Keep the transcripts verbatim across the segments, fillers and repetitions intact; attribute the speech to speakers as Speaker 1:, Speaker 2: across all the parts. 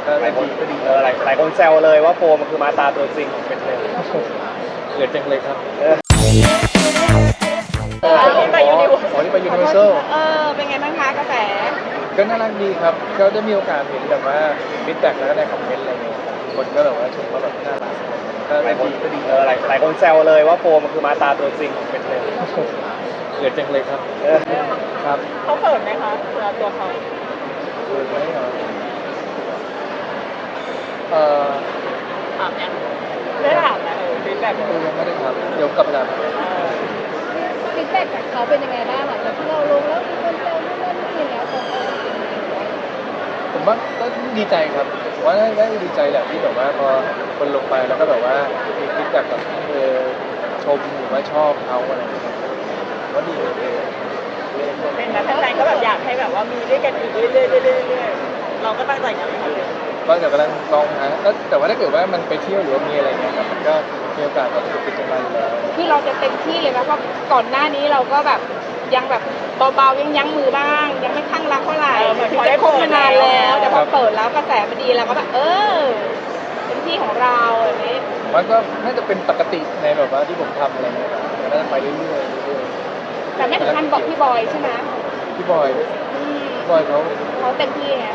Speaker 1: ก็หลายคนก็ดี
Speaker 2: เออหลายหลายคนแซวเลยว่าโฟมมันคือมาตาตัวจริงของเป็นเลย
Speaker 1: เกิดจังเลยครับ
Speaker 2: เออ
Speaker 1: อ๋อนี่ไปยูนิเวอร์อ๋อนี่ไปยูนิเวอร์แซล
Speaker 3: เออเป็นไงบ้างคะกระแส
Speaker 1: ก็น่ารักดีครับก็ได้มีโอกาสเห็นแบบว่าฟีดแบ็กแล้วก็ได้คอมเมนต์อะไรเงี้ยคนก็แบบว่าชมว่าแบบน่ารักก็
Speaker 2: หลายคน
Speaker 1: ดีก็ดี
Speaker 2: เออหลายหลายคนแซวเลยว่าโฟมมันคือมาตาตัวจริงของเป็นเลย
Speaker 1: เกิดจังเลยครับ
Speaker 2: เออ
Speaker 1: ครับ
Speaker 3: เขาเขินไหมคะเวลาตัวเขา
Speaker 1: เกิดไหมเหรอเอ่อ
Speaker 3: ถามยังได้ถามนะเออฟีดแบ็ก
Speaker 1: ยังไม่ได้ครับเดี๋ยวกลับไปถาม
Speaker 4: ฟีดแบ็กจากเขาเป็นยังไงบ้างหลังจากที่เราลงแล้วมีคนแซวนู่นนั่นนี่แล้วเขาก็
Speaker 1: ผมว่าก็ดีใจครับผมว่าได้ดีใจแหละที่แบบว่าพอคนลงไปแล้วก็แบบว่ามีฟีดแบ็กแบบเออชมหรือว่าชอบเขาอะไรอย่างเงี้ยว่าดีเลย
Speaker 3: เป็นนะแฟนๆก็แบบอยากให้แบบว่ามีด้วยกันอีกเรื่อยๆเรื่อยๆเรื่อยๆเราก็ตั้งใจกันทำเลย
Speaker 1: ก็เดี๋ยวกำลังลองหาแล้วแต่ว่าถ้าเกิดว่ามันไปเที่ยวหรือว่ามีอะไรเงี้ยครับมันก็มีโอกาสแบบติดกันมาอยู่แล้ว
Speaker 4: คือเราจะเต็มที่เลยนะเพราะก่อนหน้านี้เราก็แบบยังแบบเบาๆยังยั้งมือบ้าง ยังไม่ข้างรักเท่าไหร่ถึงจะคบมานานแล้วแต่พอเปิดแล้วกระแสมันดีเราก็แบบเออเป็นที่ของเราแบบนี้
Speaker 1: มันก็น่าจะเป็นปกติในแบบว่าที่ผมทำอะไรเงี้ยครับมันน่าจะไปเรื่อยๆเรื่อย
Speaker 4: แต่ไม่ถึงขั้นบอกพี่บอยใช่ไหม
Speaker 1: ๆพี่บอย
Speaker 4: อืม
Speaker 1: พี่บอยเขา
Speaker 4: เขาเต็มที่ไง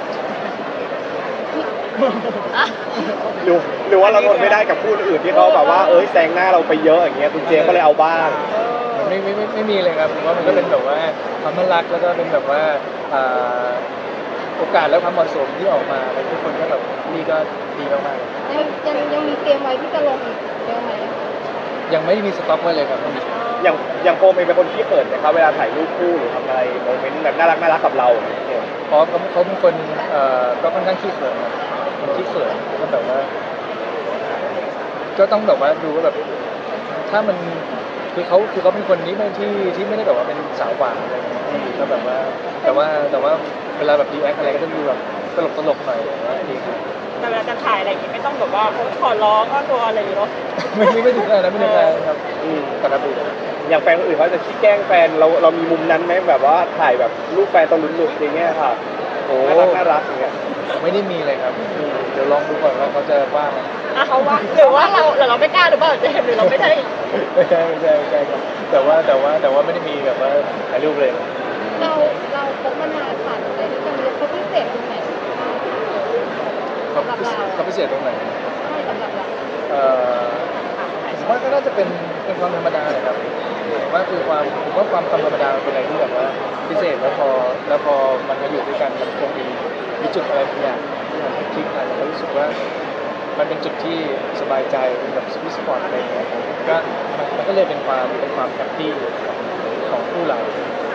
Speaker 2: หรือหรือว่าเราทนไม่ได้กับคู่อื่นที่เขาแบบว่าเอ้ยแซงหน้าเราไปเยอะอย่างเงี้ยคุณเจมส์ก็เลยเอาบ้าง
Speaker 1: มันไม่ไม่ไม่ไม่มีเลยครับผมว่ามันก็เป็นแบบว่าความน่ารักแล้วก็เป็นแบบว่าอ่าโอกาสและความเหมาะสมที่ออกมาแล้วทุกคนก็แบบนี่ก็ดีมากๆ
Speaker 4: ยังยังยังมีเตรียมไว้ที่จะลงอีกเยอะไหม
Speaker 1: ยังไม่มีสต็อกไว้เลยครับ
Speaker 2: อย่างอย่างโฟมเองเป็นคนที่เปิดนะครับเวลาถ่ายรูปคู่หรือทำอะไรโมเมนต์แบบน่ารักน่ารักกับเราอย่างเงี้ย
Speaker 1: เพราะเขาเขาเป็นคนเอ่อก็ค่อนข้างขี้เขินครับเป็นขี้เขินก็แบบว่า ก็ต้องแบบว่าดูว่าแบบ ถ้ามันคือเขาคือเขาเป็นคนนี้ไม่ที่ที่ไม่ได้แบบว่าเป็นสาวหวานอะไรอย่างเงี้ยก็แบบว่า แต่ว่าแต่ว่าเวลาแบบรีแอคอะไรก็จะดูแบบตลกตลกๆหน่อยอะไรอย่างเงี้ยดีครับ
Speaker 3: แต่เวลาจะถ่ายอะไรอย่างงี้ไม่ต้องแบบว่าขอร้องก็ตัวอะไรอยู่เนาะ
Speaker 1: ไม่ไม่ไม่ถึงขนาดนั้นไม่ถึงขนาดนั้นครับ
Speaker 2: อืม
Speaker 1: ปกติ
Speaker 2: อย่างแฟนคนอื่นเขาจะขี้แกล้งแฟนเราเรามีมุมนั้นไหมแบบว่าถ่ายแบบรูปแฟนตอนหลุดๆอย่างเงี้ยค่ะ
Speaker 1: โอ้
Speaker 2: น่ารักน่ารักอย่างเงี้ย
Speaker 1: ไม่ได้มีเลยครับเดี๋ยวลองดูก่อนว่าเขาจะว่าไหม
Speaker 3: เขาว่าหรือว่าเราหรือเราไม่กล้าหรือเปล่าเจมส์หรือเราไม่ใช่
Speaker 1: ไม่ใช่ไม่ใช่ไม่ใช่ครับแต่ว่าแต่ว่าแต่ว่าไม่ได้มีแบบว่าถ่ายรูปเลย
Speaker 4: เราเราคบมานานผ่านอะไรที่จะมีเขาพิเศษตรงไหน
Speaker 1: เขา
Speaker 4: สำหรับเรา
Speaker 1: เขาพิเศษตรงไหน
Speaker 4: ใช่สำหรับเรา
Speaker 1: เอ่อผมว่าก็น่าจะเป็นเป็นความธรรมดาแหละครับผมว่าคือความผมว่าความธรรมดาเป็นอะไรที่แบบว่าพิเศษแล้วพอแล้วพอมันมาอยู่ด้วยกันมันคงมีมีจุดอะไรบางอย่างที่มันคลิกกันแล้วรู้สึกว่ามันเป็นจุดที่สบายใจเป็นแบบสวิตสปอร์ตอะไรอย่างเงี้ยก็มันมันก็เลยเป็นความเป็นความแฮปปี้ของคู่เรา